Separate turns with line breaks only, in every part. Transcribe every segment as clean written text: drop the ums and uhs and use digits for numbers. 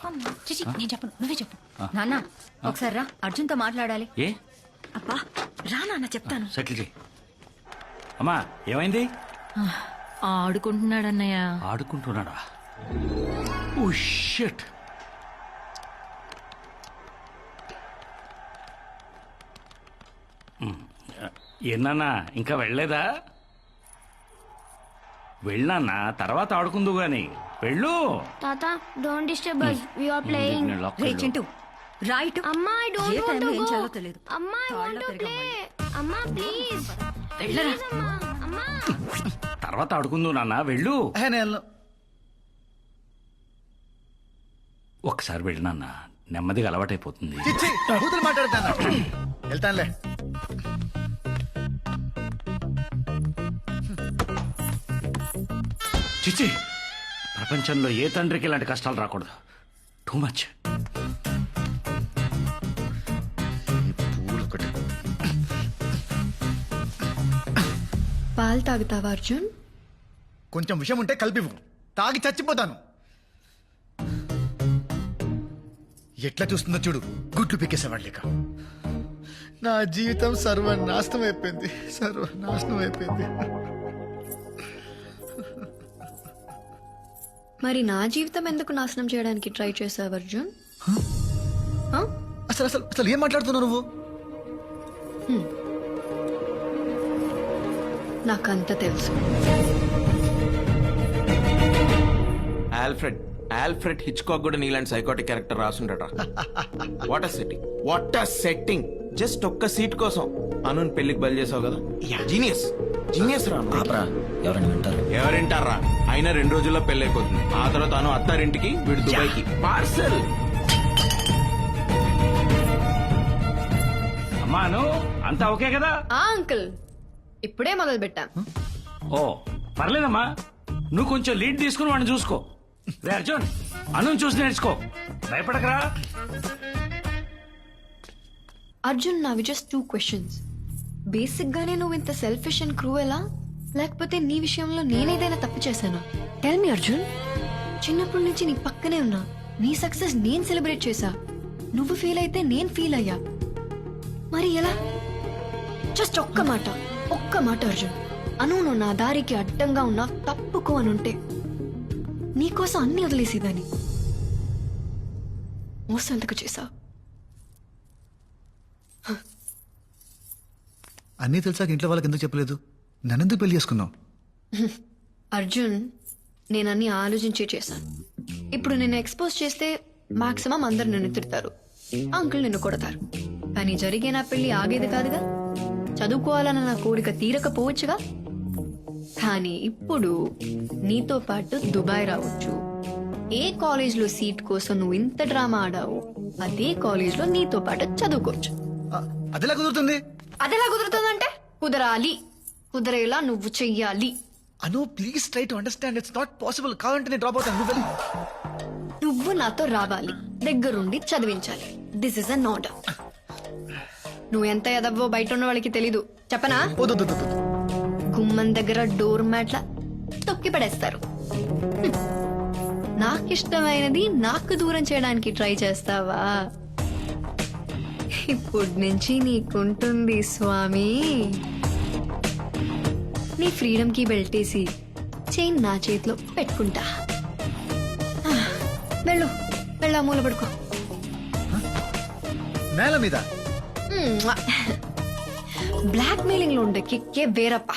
చిచి నేను చెప్పను, నువ్వే చెప్పు. నాన్న ఒకసారి రా, అర్జున్తో మాట్లాడాలి.
ఏ
అబ్బా రా నాన్న, చెప్తాను.
సెటిల్ చేయి. అమ్మా ఏమైంది?
ఆడుకుంటున్నాడన్నయ్య.
ఆడుకుంటున్నాడా? Oh shit. ఏనా ఇంకా వెళ్ళలేదా? వెళ్ళానా, తర్వాత ఆడుకుందు గాని వెళ్ళు.
తాత don't disturb us, we are playing.
రే చింటూ రైట్.
అమ్మా I don't
ఏ
want
టైంలో
to
ఏం
go.
చేయాలో తెలియదు.
అమ్మా I want to play. అమ్మా ప్లీజ్
వెళ్ళరా.
అమ్మా.
తర్వాత ఆడుకుందు నాన్న, వెళ్ళు. ఒకసారి వెళ్ళు నాన్న, నెమ్మదిగా అలవాటైపోతుంది.
మాట్లాడతాను, వెళ్తానులే.
చిచ్చి, ప్రపంచంలో ఏ తండ్రికి ఇలాంటి కష్టాలు రాకూడదు. Too much.
పాలు తాగుతావా అర్జున్?
కొంచెం విషయం ఉంటే కలిపివు, తాగి చచ్చిపోతాను. ఎట్లా చూస్తుందో చూడు, గుడ్లు పీకేసేవాడు లేక. నా జీవితం సర్వనాశనం అయిపోయింది, సర్వనాశనం అయిపోయింది.
మరి నా జీవితం ఎందుకు నాశనం చేయడానికి ట్రై చేసావు అర్జున్?
అసలు అసలు అసలు ఏం మాట్లాడుతున్నావు నువ్వు?
నాకంత తెలుసు.
ఆల్ఫ్రెడ్ హిచ్కాక్ కూడా నీలాంటి సైకోటిక్ క్యారెక్టర్ రాసుండట. What a setting, what a setting. Just ఒక్క సీట్ కోసం అనుని పెళ్లికి బయలు చేసావు కదా. జీనియస్, జీనియస్ రా. ఎవరింటారా? అయినా 2 రోజుల్లో పెళ్లి అయిపోతుంది. ఆ తర్వాత అను అత్తారింటికి, వీడు దుబాయ్కి. పార్సల్.
అమ్మాను అంతా ఓకే కదా?
అంకుల్ ఇప్పుడే మొదలు పెట్టా.
ఓ పర్లేదమ్మా, నువ్వు కొంచెం లీడ్ తీసుకుని వాడిని చూసుకో. రే అర్జున్, అను చూసి నేర్చుకో, భయపడకరా.
అర్జున్ నావి జస్ట్ 2 questions. బేసిక్ గానే నువ్వు ఇంత సెల్ఫిష్ అండ్ క్రూయలా, లేకపోతే నీ విషయంలో నేనేదైనా తప్పు చేశానా? Tell me Arjun. చిన్నప్పటి నుంచి నీ పక్కనే ఉన్నా, నీ సక్సెస్ నేను సెలబ్రేట్ చేశా. నువ్వు ఫీల్ అయితే నేను ఫీల్ అయ్యా. మరి ఎలా? జస్ట్ ఒక్క మాట అర్జున్. అను నువ్వు నా దారికి అడ్డంగా ఉన్నా తప్పుకో అనుంటే నీకోసం అన్ని వదిలేసేదాన్ని. మోసం ఎందుకు చేశా?
అన్నీ తెలిసాక ఇంట్లో వాళ్ళకి ఎందుకు చెప్పలేదు? నన్నెందుకు పెళ్లి చేసుకున్నావు?
అర్జున్, నేనన్నీ ఆలోచించే చేశాను. ఇప్పుడు నిన్ను ఎక్స్పోజ్ చేస్తే మాక్సిమం అందరు నిన్ను తిడతారు, అంకుల్ నిన్ను కొడతారు. కానీ జరిగే నా పెళ్లి ఆగేది కాదుగా. చదువుకోవాలన్న నా కోరిక తీరకపోవచ్చుగా. కానీ ఇప్పుడు నీతో పాటు దుబాయ్ రావచ్చు. ఏ కాలేజ్లో సీట్ కోసం నువ్వు ఇంత డ్రామా ఆడావు, అదే కాలేజ్లో నీతో పాటు చదువుకోవచ్చు.
అదెలా కుదురుతుంది?
అదెలా కుదురుతుందంటే కుదరాలి. కుదరేలా నువ్వు చెయ్యాలి.
Anu please try to understand, it's not possible. కావాలంటే నేను డ్రాప్ అవుతాను, నువ్వు వెళ్ళు.
నువ్వు నాతో రావాలి, దగ్గరుండి చదివించాలి. This is an order. నువ్వు ఎంత ఎదవ్వో బయట ఉన్న వాళ్ళకి తెలీదు, చెప్పనా? గుమ్మం దగ్గర డోర్ మ్యాట్ల తొక్కి పడేస్తారు. నాకిష్టమైనది నాకు దూరం చేయడానికి ట్రై చేస్తావా? ఇప్పటి నుంచి నీకుంటుంది స్వామి. నీ ఫ్రీడమ్ కి బెల్టేసి చైన్ నా చేతిలో పెట్టుకుంటా. వెళ్ళు, వెళ్ళా మూల పడుకో.
నేల మీద
బ్లాక్ మెయిలింగ్ లో ఉండే కిక్కే వేరప్ప.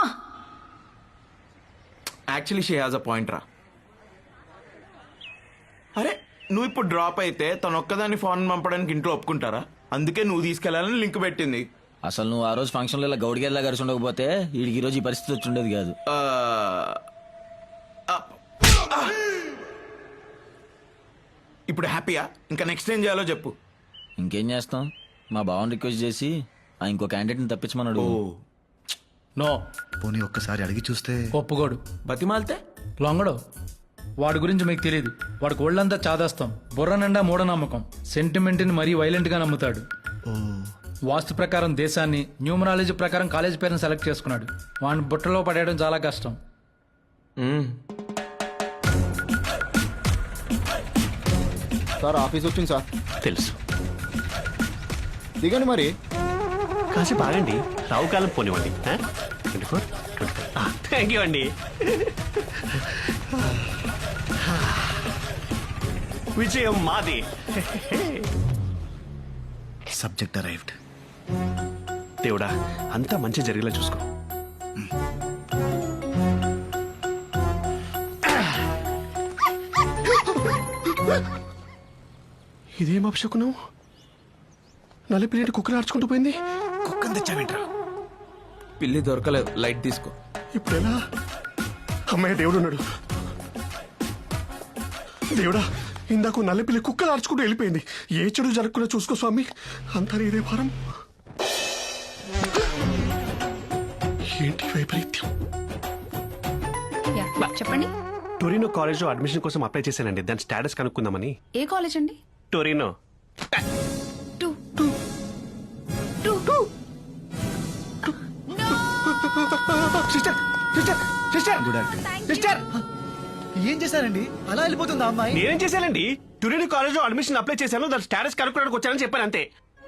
Actually she has a point రా. అరే నువ్వు ఇప్పుడు డ్రాప్ అయితే తను ఒక్కదాన్ని ఫోన్ పంపడానికి ఇంట్లో ఒప్పుకుంటారా? అందుకే నువ్వు తీసుకెళ్లాలని లింక్ పెట్టింది.
అసలు నువ్వు ఆ రోజు ఫంక్షన్ లో ఇలా గౌడిగేలా కలిసి ఉండకపోతే వీడికి ఈ రోజు ఈ పరిస్థితి వచ్చి ఉండేది కాదు.
ఇప్పుడు హ్యాపీయా? ఇంకా నెక్స్ట్ ఏం చేయాలో చెప్పు.
ఇంకేం చేస్తాం, మా బావని రిక్వెస్ట్ చేసి ఇంకో క్యాండిడేట్ని తప్పించమన్నాడు.
నో,
పోనీ ఒక్కసారి అడిగి చూస్తే.
ఒప్పుకోడు.
బతిమాలితే
లొంగడు. వాడి గురించి మీకు తెలియదు. వాడికి ఒళ్ళంతా చాదాస్తాం, బుర్ర నిండా మూఢనమ్మకం, సెంటిమెంట్ని మరీ వైలెంట్ గా నమ్ముతాడు. వాస్తు ప్రకారం దేశాన్ని, న్యూమరాలజీ ప్రకారం కాలేజ్ పేరుని సెలెక్ట్ చేసుకున్నాడు. వాడిని బుట్టలో పడేయడం చాలా కష్టం.
సార్ ఆఫీస్ వచ్చింది సార్.
తెలుసు.
దిగండి మరి.
కాసేపు ఆగండి, రావు కాలం పోనివ్వండి. 24 థ్యాంక్ యూ అండి. విజయం మాది.
Subject arrived.
దేవుడా, అంతా మంచి జరిగేలా చూసుకో. ఇదేం అపశకునం? నలిపిలేటి కుక్కలు ఆడుచుకుంటూ పోయింది.
కుక్కని తెచ్చావేంట్రా?
పిల్లి దొరకలేదు, లైట్ తీసుకో.
ఇప్పుడు ఎలా? అమ్మాయి దేవుడు ఉన్నాడు. దేవుడా, ఇందాక నల్లపిల్లి కుక్కలు ఆడుచుకుంటూ వెళ్ళిపోయింది. ఏ చెడు జరగకుండా చూసుకో స్వామి. అంతా ఇదే భారం. ఏంటి వైపరీత్యం?
యా, చెప్పండి.
టొరినో కాలేజ్ లో అడ్మిషన్ కోసం అప్లై చేశానండి. దాని స్టేటస్ కనుక్కుందామని.
ఏ కాలేజ్ అండి?
Torino.
Sister sister sister sister, ఏం చేశారండి? అలా వెళ్ళిపోతుందా అమ్మాయి?
నేనేం చేశానండి? టొరినో కాలేజ్ లో అడ్మిషన్ అప్లై చేశాను. దాని స్టేటస్ కనుక్కోడానికి వచ్చానని చెప్పాను అంతే.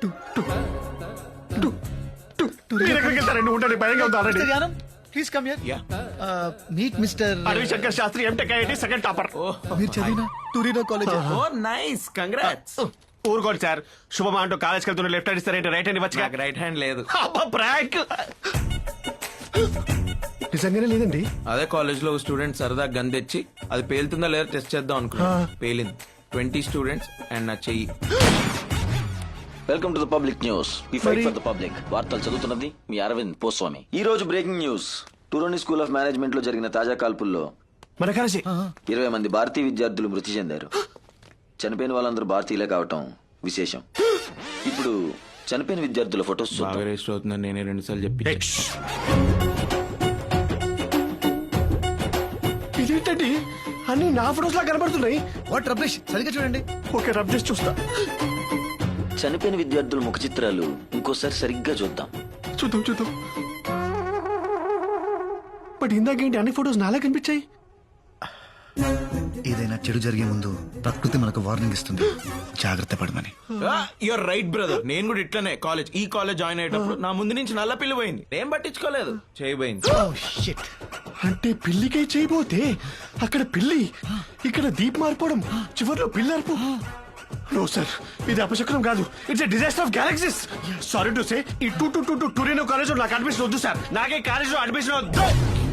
మీరు ఎక్కడికి వెళ్తారండి? ఉండండి, భయంగా ఉంది already.
Gnanam, please come here. Meet mister
Adavi Shankar Shastri, MTech IIT second topper.
మీరు చదివిన Torino college.
Oh nice, congrats.
ఊరుకోండి సార్. శుభమా అంటూ కాలేజ్కి వెళ్తున్న లెఫ్ట్ హ్యాండ్ ఇస్తారేంటి? రైట్ హ్యాండ్ ఇవ్వచ్చు.
రైట్ హ్యాండ్ లేదు.
ప్రాంక్. నిజంగానే లేదండి.
అదే కాలేజ్ లో స్టూడెంట్ సరదా గన్ తెచ్చి అది పేలుతుందా లేదా టెస్ట్ చేద్దాం అనుకున్నా. పేలింది. 20 స్టూడెంట్స్ అండ్ నా చెయ్యి.
Welcome to the public news. We fight for the public. వార్తలు చదువుతున్నది మీ అరవింద్ పోస్వామి. ఈ రోజు breaking news. Torino school of management లో జరిగిన తాజా కాల్పుల్లో
మన కాలేజీ
20 మంది భారతీయ విద్యార్థులు మృతి చెందారు. చనిపోయిన వాళ్ళందరూ భారతీయులే కావటం విశేషం. ఇప్పుడు చనిపోయిన విద్యార్థుల ఫొటోస్
బాగా రిజిస్టర్ అవుతుందని నేనే 2 సార్లు చెప్పి.
ఇదేంటండి, అన్ని నా ఫొటోస్ లా కనబడుతున్నాయి.
వాట్ రమేష్, సరిగ్గా చూడండి.
ఓకే, రబ్ చేసి చూస్తా.
చనిపోయిన విద్యార్థుల ముఖ చిత్రాలు ఇంకోసారి సరిగ్గా చూద్దాం.
చూద్దాం. బట్ ఇందాకేంటి అన్ని ఫొటోస్ నాలా కనిపించాయి?
ఏదైనా చెడు జరిగే ముందు ప్రకృతి మనకు వార్నింగ్ ఇస్తుంది, జాగ్రత్త పడమని.
Your right brother. నేను కూడా ఇట్లనే ఈ కాలేజ్ జాయిన్ అయ్యేటప్పుడు నా ముందు నుంచి నల్ల పిల్లి పోయింది. ఏం పట్టించుకోలేదు, చేయబోయింది.
అంటే పిల్లికై చేయబోతే అక్కడ పిల్లి, ఇక్కడ దీప్ మారిపోవడం, చివరిలో పిల్లి అరుపు. నో సార్, ఇది అపశకునం కాదు. It's a disaster of galaxies. Sorry to say, ఈ టూరినో కాలేజ్ లో నాకు అడ్మిషన్ వద్దు సార్. నాకే కాలేజ్ లో అడ్మిషన్ వద్దు.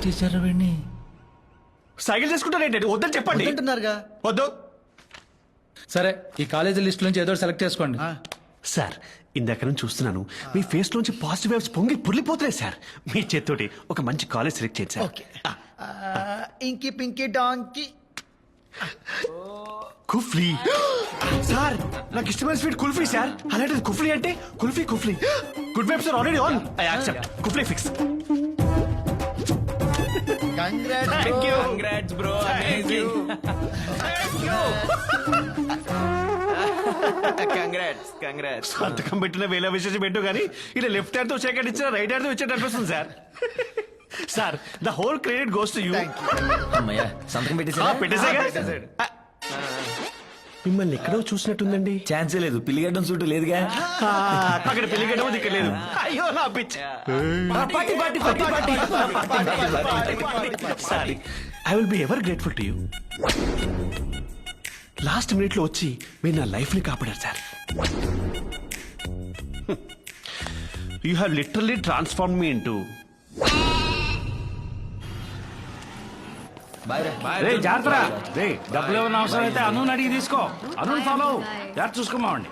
సైకిల్ చేసుకుంటారేంటండి? వద్దని చెప్పండి.
అంటున్నారుగా.
వద్దు.
సరే, ఈ కాలేజీ లిస్ట్ నుంచి ఏదో సెలెక్ట్ చేసుకోండి.
సార్, ఇందాక నుంచి చూస్తున్నాను, మీ ఫేస్ లోంచి పాజిటివ్ వైబ్స్ పొంగి పుర్లిపోతున్నాయి సార్. మీ చేత్తోటి ఒక మంచి కాలేజ్ సెలెక్ట్ చేయండి sir.
Okay. Inky pinky డాంకి
కుఫ్లీ. Sir, నాకు ఇష్టమైన స్వీట్ కుల్ఫీ సార్. అలాంటిది కుఫ్లీ అంటే kulfi. Good vibes are already on. I accept. కుఫ్లీ fix.
Congrats bro, amazing. Congrats.
సంతకం పెట్టిన వేల విశేషం పెట్టు కానీ ఇలా లెఫ్ట్ హ్యాండ్ తో షేక్ హ్యాండ్ ఇచ్చిన రైట్ హ్యాండ్ తో ఇచ్చేట అనిపిస్తుంది sir. Sir, the whole credit goes to you.
అమ్మయ్యా, సంతకం
పెట్టేసాగా. మిమ్మల్ని ఎక్కడో చూసినట్టుందండి.
ఛాన్సే లేదు. పిల్లిగడ్డం చుట్టూ లేదుగా.
అక్కడ పెళ్లిగడ్డ ఇక్కడ లేదు. అయ్యో నా పిచ్చి. Sorry, I will be ever grateful to you. Last minute లో వచ్చి మీరు నా లైఫ్ ని కాపాడారు సార్. You have literally transform me into.
జాగ్రత్త. డబ్బులు ఏమైనా అవసరం అయితే అను అడిగి తీసుకో. అను ఫాలో జాగ్రత్త చూసుకోమావండి.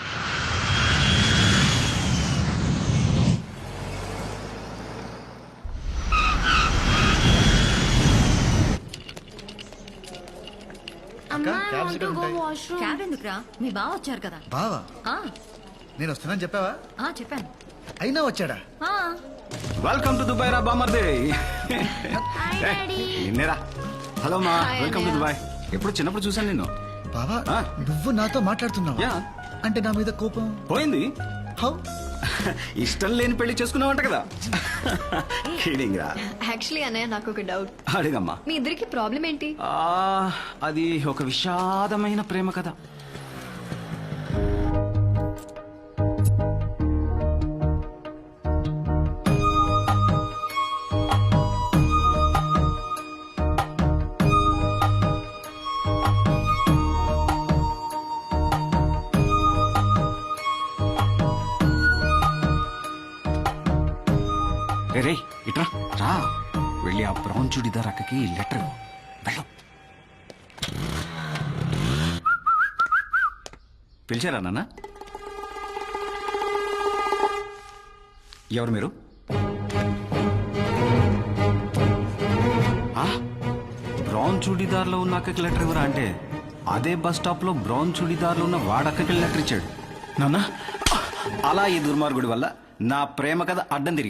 అమ్మా, I want to go washroom.
Cab ఎందుకురా? మీ బావ వచ్చారు కదా.
బావా,
ఆ,
నేను వస్తున్నాను చెప్పావా?
చెప్పాను.
అయినా వచ్చాడా?
ఆ,
వెల్కమ్ టు దుబాయ్ రా బామర్ది.
Hi, Daddy.
నిన్నేరా. హలో మా, వెల్కమ్ టు దుబాయ్. ఎప్పుడు చిన్నప్పుడు చూసాను నిన్ను.
బావా, నువ్వు నాతో మాట్లాడుతున్నావు
యా.
అంటే నా మీద కోపం
పోయింది.
హౌ?
ఇష్టం లేని పెళ్లి చేసుకున్నావంట కదా.
యాక్చువల్లీ అన్నయ్య, నాకు ఒక డౌట్.
అడిగమ్మా.
మీ ఇద్దరికి ప్రాబ్లం ఏంటి?
అది ఒక విషాదమైన ప్రేమ కథ.
రే రే ఇట్రా రా వెళ్ళి ఆ బ్రౌన్ చుడిదార్ అక్కకి లెటర్ వెళ్ళు పిలిచారా నాన్న ఎవరు మీరు బ్రౌన్ చూడీదార్లో ఉన్న అక్కకి లెటర్ ఇవ్వరా అంటే అదే బస్ స్టాప్లో బ్రౌన్ చూడీదార్లో ఉన్న వాడక్కకి లెటర్ ఇచ్చాడు నాన్న అలా ఈ దుర్మార్గుడి వల్ల నా ప్రేమ కథ అడ్డం తిరిగింది